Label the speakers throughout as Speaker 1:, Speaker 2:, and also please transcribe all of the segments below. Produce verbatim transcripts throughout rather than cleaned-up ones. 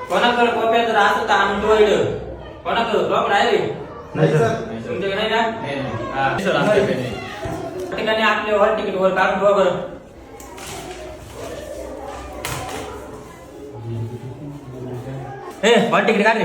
Speaker 1: कोणाकडे कॉप्या जर असं तर आणून ठेवायचं. कोणाकडे कॉप आहे
Speaker 2: नाही सर.
Speaker 1: तुमच्याकडे नाही ना? हा सर आमच्याकडे नाही. त्या ठिकाणी आपले हॉल तिकीट वर काढून ठेवा बरं. ए हॉल तिकीट काढ रे.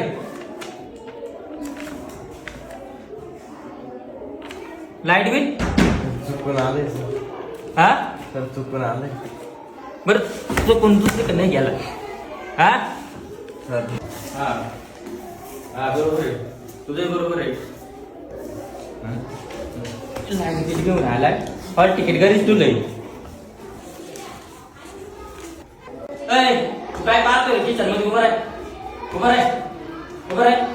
Speaker 1: लाईट बिल
Speaker 2: चुकून आले
Speaker 1: हा
Speaker 2: सर. चुकून आले
Speaker 1: बरं चुकून दुसरीकडे नाही गेला हा
Speaker 2: सर.
Speaker 1: हा हा बरोबर आहे तुझं बरोबर आहे. लाईट बिल घेऊन आलाय हॉल तिकीट घरीच तुला तू काय पाहतोय किचन मध्ये उभं आहे उभं आहे उभं आहे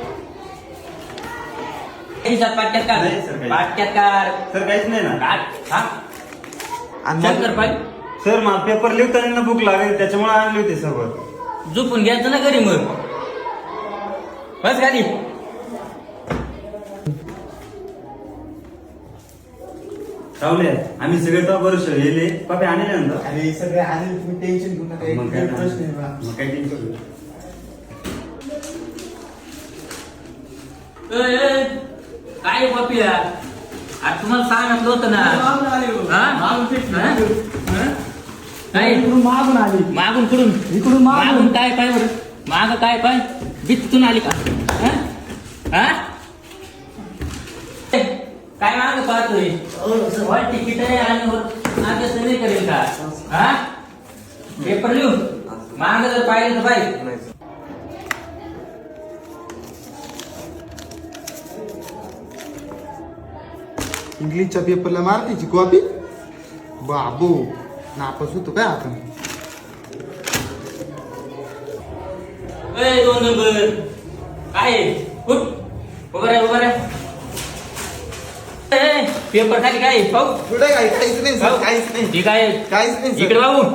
Speaker 1: पाट्यात कार
Speaker 2: नाही सर, काही.
Speaker 1: पाट्यात कार
Speaker 2: सर काहीच नाही ना.
Speaker 1: काढ. हा
Speaker 2: आणि
Speaker 1: चल
Speaker 2: मग-
Speaker 1: कर पाय
Speaker 2: सर मला पेपर लिहिताना भूक लागेल त्याच्यामुळे आणली होती सोबत.
Speaker 1: झोपून घ्यायचं ना घरी मग बस गाडी.
Speaker 2: राहुले आम्ही सगळे तो बरोबर गेले पापे आणले नंतर.
Speaker 3: अरे सगळे आणि तुम्ही टेन्शन घेऊ नका.
Speaker 2: मग काय
Speaker 3: एक प्रश्न आहे बा.
Speaker 2: मग काय टेन्शन घेऊ.
Speaker 1: ए, ए, काय पपिया आज तुम्हाला सांगितलं होतं ना
Speaker 3: मागून आले हो.
Speaker 1: हा?
Speaker 3: मागून फिट
Speaker 1: हा?
Speaker 3: नाही.
Speaker 1: हा? काय
Speaker 3: इकडून मागून आली
Speaker 1: मागून कुठून
Speaker 3: इकडून मागून.
Speaker 1: मागून काय पाय बरं माग काय पाय बितून आली का हा? हा? ए, काय माग पाहतोय वर तिकीट आहे आणि वर मागे नाही करेल का हा पेपर लिहू माग जर पाहिजे तर पाहिजे.
Speaker 2: नाही सर.
Speaker 3: इंग्लिशच्या पेपरला मारतीची कॉपी बाबू नापास होतो काय आपण.
Speaker 1: ए दोन नंबर काय आहे? उठ उभं राह उभं राह. ए, पेपर खाली काय आहे? पाहू
Speaker 3: कुठे काय काहीच नाही सर. काहीच नाही
Speaker 1: ठीक आहे
Speaker 3: काहीच नाही
Speaker 1: इकडे
Speaker 3: सर.
Speaker 1: बाबू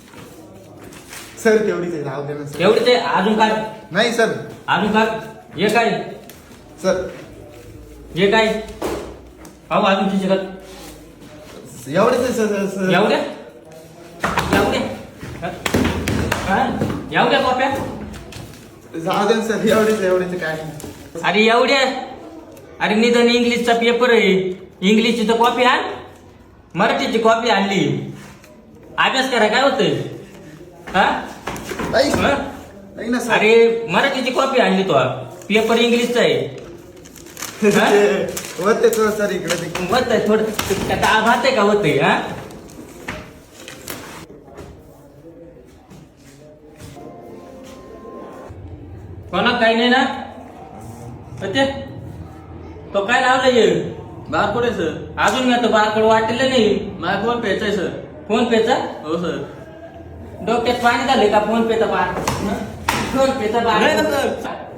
Speaker 3: सर तेवढीच आहे राहू दे ना सर.
Speaker 1: एवढे ते अजून काय
Speaker 3: नाही सर.
Speaker 1: अजून काय हे काय
Speaker 3: सर
Speaker 1: हे काय पाहू अजून तिचे का
Speaker 3: एवढेच आहे सर सर.
Speaker 1: एवढ्या एवढ्या हा? एवढ्या कॉप्या
Speaker 3: जाऊ दे ना सर. एवढेच एवढेच काय नाही.
Speaker 1: अरे एवढ्या अरे निदान इंग्लिशचा पेपर आहे इंग्लिशची तर कॉपी आण मराठीची कॉपी आणली अभ्यास करा काय होतंय हा
Speaker 3: नाही
Speaker 1: हा?
Speaker 3: नाही ना सर.
Speaker 1: अरे मराठीची कॉपी आणली तो पेपर इंग्लिशचा आहे हा?
Speaker 3: होते तो सर इकडे ते.
Speaker 1: होत आहे थोडं त्याचा आभात आहे का होतंय हा कोणा काही नाही ना ते तो काय लावलंय
Speaker 4: बारकोड आहे सर.
Speaker 1: अजून मी तो बारकोड वाटलेलं नाही
Speaker 4: माझा फोन पेचा आहे सर.
Speaker 1: फोन पेचा
Speaker 4: हो सर.
Speaker 1: डोक्यात पाणी झाले का फोन पेचा बार फोन पेचा
Speaker 4: नाही ना
Speaker 1: बार
Speaker 4: सर.